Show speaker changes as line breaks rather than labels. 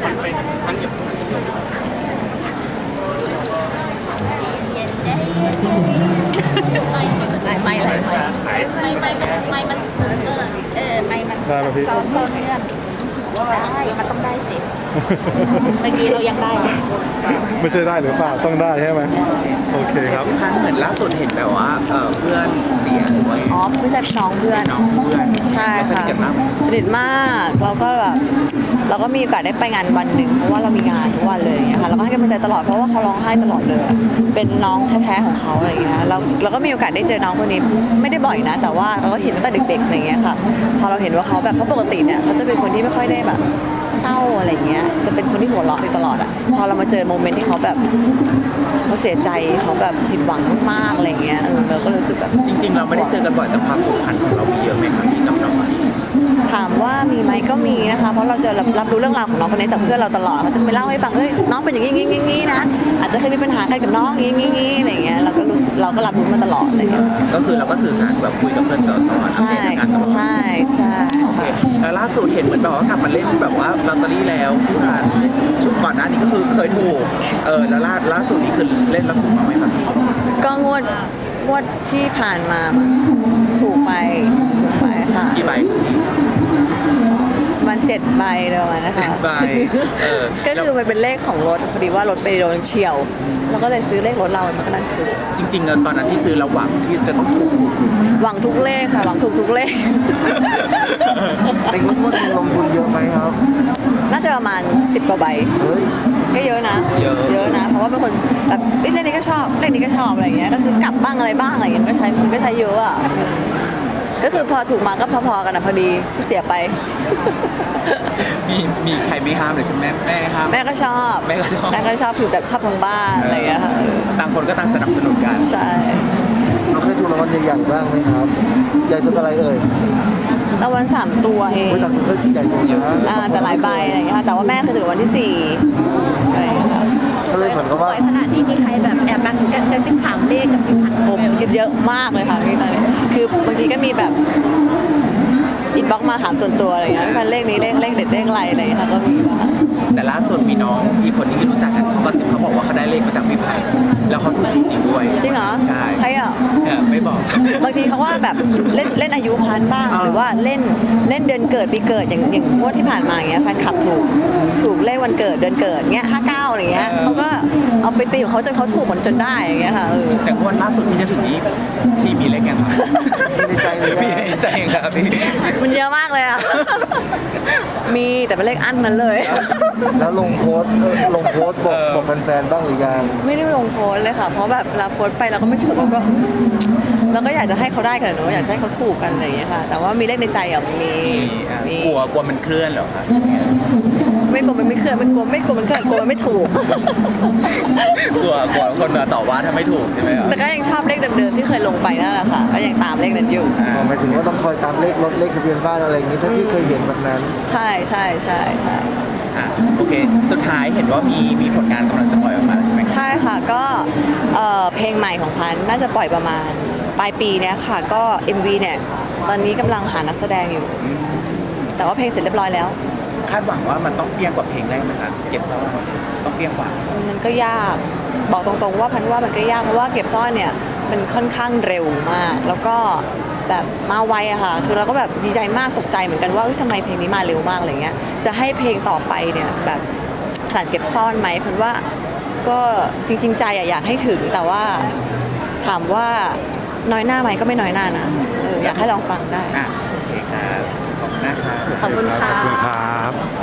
ไม่มัน
ได้ไหมพี่
ซ้อนเงื่อนได้มันต้องได้สิเมื่อกี้เรายังได้
ไม่ใช่ได้หรือเปล่าต้องได้ใช่ไหมโอเคครับ
พันเหมือนล่าสุดเห็นแบบว่าเพื่อนเสียด้วย
อ๋อไม่ใช่น้องเพื่อนใช่ค่ะสนิทมากเราก็แบบเราก็มีโอกาสได้ไปงานวันหนึ่งเพราะว่าเรามีงานทุกวันเลยอย่างเงี้ยค่ะเราก็ให้กำลังใจตลอดเพราะว่าเขาร้องไห้ตลอดเลยเป็นน้องแท้ๆของเขาอะไรอย่างเงี้ยเราก็มีโอกาสได้เจอน้องคนนี้ไม่ได้บ่อยนะแต่ว่าเราก็เห็นตั้งแต่เด็กๆอะไรอย่างเงี้ยค่ะพอเราเห็นว่าเขาแบบเพราะปกติเนี่ยเขาจะเป็นคนที่ไม่ค่อยได้แบบเศร้าอะไรอย่างเงี้ยจะเป็นคนที่หัวเราะอยู่ตลอดอ่ะพอเรามาเจอโมเมนต์ที่เขาแบบเขาเสียใจเขาแบบผิดหวังมากอะไรอย่างเงี้ยเราก็รู้สึกแบบ
จริงๆเราไม่ได้เจอกันบ่อยแต่ความผูกพันของเรามีเยอะไหมครับที่กับน้อง
ถามว่ามีไหมก็มีนะคะเพราะเราจะรับรู้เรื่องราวของน้องคนนี้จากเพื่อนเราตลอดเขาจะไปเล่าให้ฟังเฮ้ยน้องเป็นอย่างนี้นะอาจจะเคยมีปัญหากันกับน้องอย่างนี้อะไรอย่างเงี้ยเราก็รับรู้มาตลอดอะไรอย่างเงี้ย
ก็คือเราก็สื่อสารแบบคุยกับเพื่อนตลอด
ใช่ใช่
โอเคแล้วล่าสุดเห็นเหมือนแบบว่ากลับมาเล่นแบบว่าลอตเตอรี่แล้วพี่รันชุดก่อนหน้านี้ก็คือเคยถูกแล้วล่าสุดนี้คือเล่นแล้วถูกมาไหมครับ
ก็งวดที่ผ่านมาถูกไปค่ะ
กี่ใบ
มัน7 ใบเลยวันนะคะ
ใบ
ก็คือมันเป็นเลขของรถพอดีว่ารถไปโดนเฉี่ยวแล้วก็เลยซื้อเลขรถเรามันก็นั่นถูก
จริงๆตอนนั้นที่ซื้อเราหวังที่จะต้องถูก
หวังทุกเลขค่ะหวังถูกทุกเลข
ในงวดนี้ลงทุนเยอะไหมครับ
น่าจะประมาณ10 กว่าใบก็เยอะนะเยอะนะเพราะว่าเป็นคนแบบเลขนี้ก็ชอบเลขนี้ก็ชอบอะไรอย่างเงี้ยก็ซื้อกลับบ้างอะไรบ้างอะไรอย่างเงี้ยมันก็ใช้เยอะอ่ะก็คือพอถูกมาก็พอๆกันนะพอดีที่เสียไป
มีใครไม่ห้ามเลยใช่ไหมแม่ห้าม
แม่ก็ชอบคือแบบชอบทั้งบ้านอะไรอย่างเงี้ยค่ะ
ต่างคนก็ต่างสนับสนุนกัน
ใช่
เราเคยถูกรางวัลใหญ่ๆบ้างไหมครับใหญ่จนอะไรเอ่ย
รางวัล3 ตัวเอง
ใหญ่เยอะ
แต่หลายใบอะไรอย่างเงี้ยค่ะแต่ว่าแม่เคยถูกรางวัลที่4อะไรอย่างเงี้ยค่ะ
ก็เลยเหมือนกับว่า
ขนาดที่มีใครแบบแอบกระซิบถามเลขกับพี่พันธุ์
ผมคิดเยอะมากเลยค่ะพี่ตอนนี้คือบางทีก็มีแบบอินบ็อกมาถามส่วนตัวอะไรอย่างเงี้ยเลขนี้เลขเด็ดเลขอะไรอะไรอย่างเงี้ยค่ะก็มี
แต่ล่าสุดมีน้องอีกคนที่รู้จักกันเขาก็ซิบเขาบอกว่าเขาได้เลขมาจากพี่พันธุ์แล้วเขาถูกจริงด้วย
จริงเหรอ
ใช่
ใครอ่ะ
ไม่บอก
บางทีเขาว่าแบบเล่นอายุพันบ้างหรือว่าเล่นเดือนเกิดปีเกิดอย่างงวดที่ผ่านมาอย่างเงี้ยแฟนคลับถูกเลขวันเกิดเดือนเกิดเงี้ย59อะไรเงี้ยเขาก็เอาไปตีของเขาจนเขาถูกจนได้อย่างเงี้ยค่ะ
แต่งวดล่าสุดที่จะถึงนี้พี่มีเลขยังครับ
มีใจเลย
มีใจครับพี่
มันเยอะมากเลยอ่ะมีแต่เป็นเลขอั้นนั้นเลย
แล้วลงโพสต์บอกแฟนๆบ้างหรือยัง
ไม่ได้ลงโพสต์เลยค่ะเพราะแบบเราโพสต์ไปเราก็ไม่ถูกเราก็อยากจะให้เขาได้กันเนอะอยากจะให้เขาถูกกันอะไรอย่างเงี้ยค่ะแต่ว่ามีเลขในใจอ่ะมี
กลัวมันเคลื่อนเหรอครับ
ไม่กลัวมันไม่เคลื่อนไม่กลัวมันเคลื่อนกลัวมันไม่ถูก
กลัวคนมาต่อว่าถ้าไม่ถูกใช่ไหมครับ
แต่ก็ยังชอบเลขเดิมๆที่เคยลงไปนั่นแหละค่ะก็ยังตามเลขนั้นอยู่
หมายถึงว่าต้องคอยตามเลขรถเลขทะเบียนบ้านอะไรอย่างนี้ถ้าที่เคยเห็นแบบนั้น
ใช่
โอเคสุดท้ายเห็นว่ามีผลงานกำลังจะปล่อยออกมาใช่ไหม
ใช่ค่ะก็เพลงใหม่ของพันน่าจะปล่อยประมาณปลายปีเนี้ยค่ะก็ MV เนี่ยตอนนี้กำลังหานักแสดงอยู่แต่ว่าเพลงเสร็จเรียบร้อยแล้ว
คาดหวังว่ามันต้องเปรี้ยงกว่าเพลงแรกไหมครับเก็บซ่อนต้องเปรี้ยงกว่า
มันก็ยากบอกตรงๆว่าพันว่ามันก็ยากเพราะว่าเก็บซ่อนเนี่ยมันค่อนข้างเร็วมากแล้วก็แบบมาไวอะค่ะคือเราก็แบบดีใจมากตกใจเหมือนกันว่าทำไมเพลงนี้มาเร็วมากอะไรเงี้ยจะให้เพลงต่อไปเนี่ยแบบขนาดเก็บซ่อนไหมพันว่าก็จริงๆใจอยากให้ถึงแต่ว่าถามว่าน้อยหน้าไหมก็ไม่น้อยหน้านะอยากให้ลองฟังได้
โอเคครับขอบคุณนะครับ
ขอบคุณค่ะ
ขอบคุณครับ